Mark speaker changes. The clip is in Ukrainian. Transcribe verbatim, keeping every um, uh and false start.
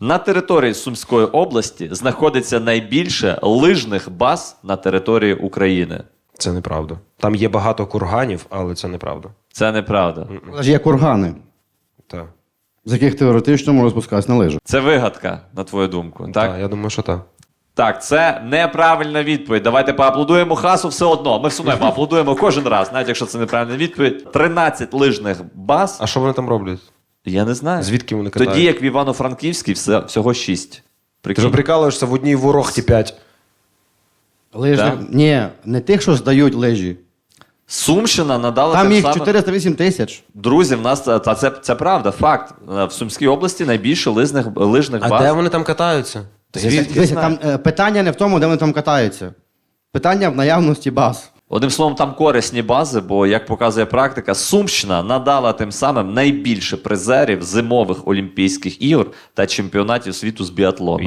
Speaker 1: На території Сумської області знаходиться найбільше лижних баз на території України.
Speaker 2: Це неправда. Там є багато курганів, але це неправда.
Speaker 1: Це неправда.
Speaker 3: Але ж є кургани,
Speaker 2: Так.
Speaker 3: з яких теоретично можна спускатися на лижах.
Speaker 1: Це вигадка, на твою думку. Так?
Speaker 2: Так, я думаю, що так.
Speaker 1: Так, це неправильна відповідь. Давайте поаплодуємо Хасу все одно. Ми все одно поаплодуємо кожен раз, навіть якщо це неправильна відповідь. тринадцять лижних баз.
Speaker 2: А що вони там роблять?
Speaker 1: Я не знаю.
Speaker 2: Звідки вони катають?
Speaker 1: Тоді, як в Івано-Франківській, все, всього шість.
Speaker 2: Ти
Speaker 1: Прикинь.
Speaker 2: ж прикалуєшся, в одній ворохті п'ять.
Speaker 3: Лижних...
Speaker 1: Так.
Speaker 3: Ні, не тих, що здають лижі.
Speaker 1: Сумщина надала
Speaker 3: Там
Speaker 1: тим
Speaker 3: їх
Speaker 1: самим...
Speaker 3: чотириста вісім тисяч.
Speaker 1: Друзі, в нас це, це, це правда, факт. В Сумській області найбільше лижних, лижних
Speaker 2: А
Speaker 1: баз.
Speaker 2: де вони там катаються?
Speaker 1: Звідки?
Speaker 3: Дивіться, там е, питання не в тому, де вони там катаються. Питання в наявності баз.
Speaker 1: Одним словом, там корисні бази, бо, як показує практика, Сумщина надала тим самим найбільше призерів зимових Олімпійських ігор та чемпіонатів світу з біатлону.